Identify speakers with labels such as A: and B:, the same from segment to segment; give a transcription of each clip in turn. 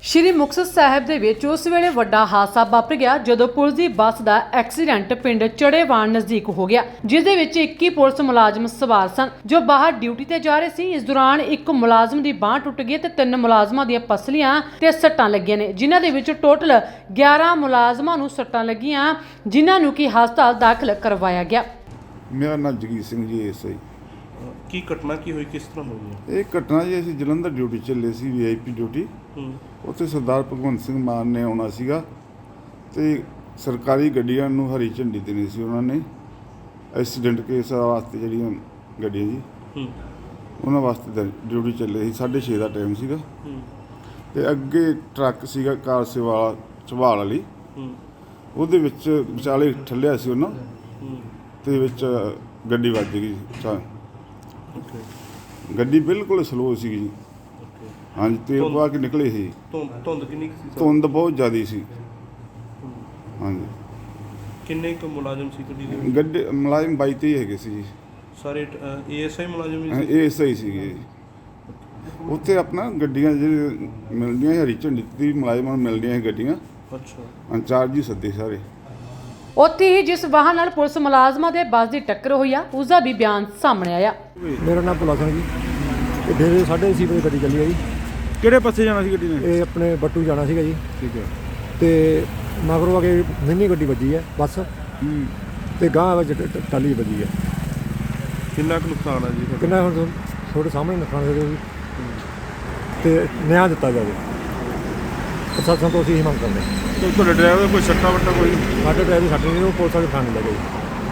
A: ਸ਼੍ਰੀ ਮੁਕਤਸਰ ਸਾਹਿਬ ਦੇ ਵਿੱਚ ਉਸ ਵੇਲੇ ਵੱਡਾ ਹਾਦਸਾ ਵਾਪਰ ਗਿਆ ਜਦੋਂ ਪੁਲਿਸ ਦੀ ਬੱਸ ਦਾ ਐਕਸੀਡੈਂਟ ਪਿੰਡ ਚੜੇਵਾਨ ਨਜ਼ਦੀਕ ਹੋ ਗਿਆ, ਜਿਸ ਦੇ ਵਿੱਚ 21 ਪੁਲਿਸ ਮੁਲਾਜ਼ਮ ਸਵਾਰ ਸਨ ਜੋ ਬਾਹਰ ਡਿਊਟੀ ਤੇ ਜਾ ਰਹੇ ਸੀ। ਇਸ ਦੌਰਾਨ ਇੱਕ ਮੁਲਾਜ਼ਮ ਦੀ ਬਾਂਹ ਟੁੱਟ ਗਈ ਤੇ 3 ਮੁਲਾਜ਼ਮਾਂ ਦੀਆਂ ਪਸਲੀਆਂ ਤੇ ਸੱਟਾਂ ਲੱਗੀਆਂ ਨੇ, ਜਿਨ੍ਹਾਂ ਦੇ ਵਿੱਚ ਟੋਟਲ 11 ਮੁਲਾਜ਼ਮਾਂ ਨੂੰ ਸੱਟਾਂ ਲੱਗੀਆਂ, ਜਿਨ੍ਹਾਂ ਨੂੰ ਕਿ ਹਸਪਤਾਲ ਦਾਖਲ ਕਰਵਾਇਆ ਗਿਆ।
B: ਮੇਰਾ ਨਾਮ ਜਗੀਰ ਸਿੰਘ ਜੀ ਐਸਆਈ।
C: ਕੀ ਘਟਨਾ ਕੀ ਹੋਈ, ਕਿਸ ਤਰ੍ਹਾਂ ਹੋਈ?
B: ਇਹ ਘਟਨਾ ਜੀ ਅਸੀਂ ਜਲੰਧਰ ਡਿਊਟੀ ਚੱਲੇ ਸੀ, ਵੀਆਈਪੀ ਡਿਊਟੀ। ਉੱਥੇ ਸਰਦਾਰ ਭਗਵੰਤ ਸਿੰਘ ਮਾਨ ਨੇ ਆਉਣਾ ਸੀਗਾ ਤੇ ਸਰਕਾਰੀ ਗੱਡੀਆਂ ਨੂੰ ਹਰੀ ਝੰਡੀ ਦੇਣੀ ਸੀ ਉਹਨਾਂ ਨੇ। ਐਕਸੀਡੈਂਟ ਕੇਸ ਵਾਸਤੇ ਜਿਹੜੀਆਂ ਗੱਡੀਆਂ ਜੀ ਉਹਨਾਂ ਵਾਸਤੇ ਡਿਊਟੀ ਚੱਲੇ ਸੀ। 6:30 ਦਾ ਟਾਈਮ ਸੀਗਾ ਤੇ ਅੱਗੇ ਟਰੱਕ ਸੀਗਾ ਕਾਰ ਸੇਵਾ ਝਵਾਲ ਵਾਲੀ, ਉਹਦੇ ਵਿੱਚ ਵਿਚਾਲੇ ਠੱਲਿਆ ਸੀ ਉਹਨਾਂ ਤੇ ਵਿੱਚ ਗੱਡੀ ਵੱਜ ਗਈ। ਗੱਡੀ ਬਿਲਕੁਲ ਸਲੋ ਸੀਗੀ ਜੀ। ਹਾਂਜੀ, ਤੇਲ ਪਾ ਕੇ ਨਿਕਲੇ ਸੀ।
C: ਧੁੰਦ ਕਿੰਨੀ ਸੀ?
B: ਧੁੰਦ ਬਹੁਤ ਜ਼ਿਆਦਾ ਸੀ। ਹਾਂਜੀ।
C: ਕਿੰਨੇ ਕੁ ਮੁਲਾਜ਼ਮ ਸੀ ਗੱਡੀ ਦੇ?
B: ਗੱਡੀ ਮੁਲਾਜ਼ਮ 22-23 ਹੈਗੇ ਸੀ ਜੀ।
C: ਸਾਰੇ ਏਐਸਆਈ ਮੁਲਾਜ਼ਮ ਹੀ ਸੀ?
B: ਇਹ ਸਹੀ ਸੀਗੇ ਜੀ। ਉੱਥੇ ਆਪਣਾ ਗੱਡੀਆਂ ਜਿਹੜੀ ਮਿਲਦੀਆਂ ਹਰੀ ਝੰਡੀ ਦੀ ਮੁਲਾਜ਼ਮਾਂ ਨੂੰ ਮਿਲਦੀਆਂ ਸੀ ਗੱਡੀਆਂ।
C: ਅੱਛਾ।
B: ਇੰਚਾਰਜ ਜੀ ਸੱਦੇ ਸਾਰੇ।
A: ਉੱਥੇ ਹੀ ਜਿਸ ਵਾਹਨ ਨਾਲ ਪੁਲਿਸ ਮੁਲਾਜ਼ਮਾਂ ਦੇ ਬੱਸ ਦੀ ਟੱਕਰ ਹੋਈ ਆ, ਉਸ ਦਾ ਵੀ ਬਿਆਨ ਸਾਹਮਣੇ ਆਇਆ।
D: ਮੇਰਾ ਨਾਮ ਭੁਲਾ ਸਿੰਘ ਜੀ। ਇਹ ਫਿਰ 6:30 ਵਜੇ ਗੱਡੀ ਚੱਲੀ ਆ ਜੀ।
E: ਕਿਹੜੇ ਪਾਸੇ ਜਾਣਾ ਸੀ ਗੱਡੀ ਨੇ?
D: ਇਹ ਆਪਣੇ ਬੱਟੂ ਜਾਣਾ ਸੀਗਾ ਜੀ।
E: ਠੀਕ ਹੈ।
D: ਤੇ ਮਗਰੋਂ ਆ ਕੇ ਮਿੰਨੀ ਗੱਡੀ ਵੱਜੀ ਹੈ ਬੱਸ ਤੇ ਗਾਂਹ ਵਿੱਚ ਟਾਲੀ ਵੱਜੀ ਹੈ।
C: ਕਿੰਨਾ ਕੁ ਨੁਕਸਾਨ ਆ ਜੀ?
D: ਕਿੰਨਾ ਹੁਣ ਤੁਹਾਡੇ ਸਾਹਮਣੇ ਨੁਕਸਾਨ ਹੋਇਆ ਜੀ ਤੇ ਨਿਆਂ ਦਿੱਤਾ ਜਾਵੇ। ਪ੍ਰਸ਼ਾਸਨ ਤੋਂ ਅਸੀਂ ਇਹ ਮੰਗ ਕਰਦੇ ਹਾਂ।
E: ਤੇ ਤੁਹਾਡੇ ਡਰਾਈਵਰ ਦਾ ਕੋਈ ਸੱਟਾ ਵੱਟਾ ਕੋਈ?
D: ਸਾਡੇ ਡਰਾਈਵਰ ਸਾਡੇ ਨਹੀਂ, ਉਹ ਪੁਲਿਸ ਵਾਲੇ ਥਾਣੇ ਲੈ ਗਏ ਜੀ।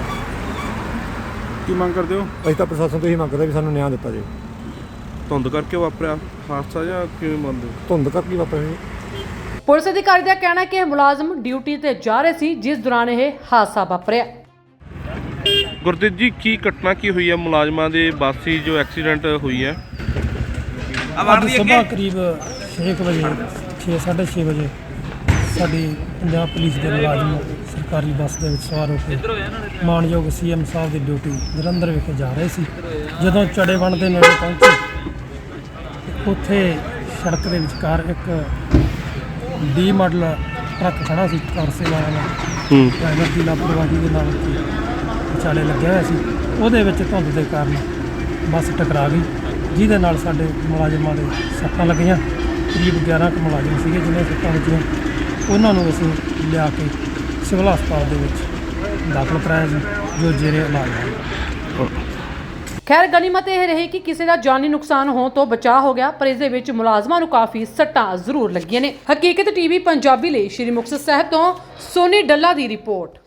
E: ਕੀ ਮੰਗ ਕਰਦੇ ਹੋ?
D: ਅਸੀਂ ਤਾਂ ਪ੍ਰਸ਼ਾਸਨ ਤੋਂ ਇਹ ਮੰਗ ਕਰਦੇ ਵੀ ਸਾਨੂੰ ਨਿਆਂ ਦਿੱਤਾ ਜਾਵੇ।
C: ਧੁੰਦ ਕਰਕੇ ਵਾਪਰਿਆ ਹਾਦਸਾ ਜਾਂ ਕਿਵੇਂ ਮੰਨਦੇ?
D: ਧੁੰਦ ਕਰਕੇ ਵਾਪਰਿਆ ਜੀ।
A: ਪੁਲਿਸ ਅਧਿਕਾਰੀ ਦਾ ਕਹਿਣਾ ਕਿ ਇਹ ਮੁਲਾਜ਼ਮ ਡਿਊਟੀ ਤੇ ਜਾ ਰਹੇ ਸੀ, ਜਿਸ ਦੌਰਾਨ ਇਹ ਹਾਦਸਾ ਵਾਪਰਿਆ।
C: ਗੁਰਦੀਪ ਜੀ, ਕੀ ਘਟਨਾ ਕੀ ਹੋਈ ਹੈ ਮੁਲਾਜ਼ਮਾਂ ਦੇ ਬੱਸ ਦੀ ਜੋ ਐਕਸੀਡੈਂਟ ਹੋਈ ਹੈ?
F: ਅੱਜ ਸੁਬਾਹ ਕਰੀਬ 6 ਵਜੇ 6:30 ਵਜੇ ਸਾਡੀ ਪੰਜਾਬ ਪੁਲਿਸ ਦੇ ਮੁਲਾਜ਼ਮ ਸਰਕਾਰੀ ਬੱਸ ਦੇ ਵਿੱਚ ਸਵਾਰ ਹੋ ਕੇ ਮਾਨਯੋਗ ਸੀਐਮ ਸਾਹਿਬ ਦੀ ਡਿਊਟੀ ਜਲੰਧਰ ਵਿਖੇ ਜਾ ਰਹੇ ਸੀ। ਜਦੋਂ ਚੜੇਵਣ ਦੇ ਨੇੜੇ ਪਹੁੰਚੇ, ਉੱਥੇ ਸੜਕ ਦੇ ਵਿਚਕਾਰ ਇੱਕ ਡੀ ਮਾਡਲ ਟਰੱਕ ਖੜਾ ਸੀ ਕਾਰ ਸੇਵਾ ਵਾਲਾ। ਡਰਾਈਵਰ ਦੀ ਲਾਪਰਵਾਹੀ ਦੇ ਨਾਲ ਵਿਚਾਲੇ ਲੱਗਿਆ ਹੋਇਆ ਸੀ। ਉਹਦੇ ਵਿੱਚ ਧੁੰਦ ਦੇ ਕਾਰਨ ਬੱਸ ਟਕਰਾ ਗਈ, ਜਿਹਦੇ ਨਾਲ ਸਾਡੇ ਮੁਲਾਜ਼ਮਾਂ ਦੇ ਸੱਟਾਂ ਲੱਗੀਆਂ। ਕਰੀਬ 11 ਕੁ ਮੁਲਾਜ਼ਮ ਸੀਗੇ ਜਿਹਨਾਂ ਸੱਟਾਂ ਵੱਜੀਆਂ। ਉਹਨਾਂ ਨੂੰ ਅਸੀਂ ਲਿਆ ਕੇ ਸਿਵਲ ਹਸਪਤਾਲ ਦੇ ਵਿੱਚ ਦਾਖਲ ਕਰਾਇਆ ਸੀ, ਜੋ ਜੇਰੇ ਇਲਾਜ ਹੈ।
A: ਖੈਰ, ਗਨੀਮਤ ਇਹ ਰਹੀ ਕਿ ਕਿਸੇ ਦਾ ਜਾਨੀ ਨੁਕਸਾਨ ਹੋਣ ਤੋਂ ਬਚਾਅ ਹੋ ਗਿਆ, ਪਰ ਇਸ ਦੇ ਵਿੱਚ ਮੁਲਾਜ਼ਮਾਂ ਨੂੰ ਕਾਫੀ ਸੱਟਾਂ ਜ਼ਰੂਰ ਲੱਗੀਆਂ ਨੇ। ਹਕੀਕਤ ਟੀਵੀ ਪੰਜਾਬੀ ਲਈ ਸ਼੍ਰੀ ਮੁਕਤਸਰ ਸਾਹਿਬ ਤੋਂ ਸੋਨੀ ਡੱਲਾ ਦੀ ਰਿਪੋਰਟ।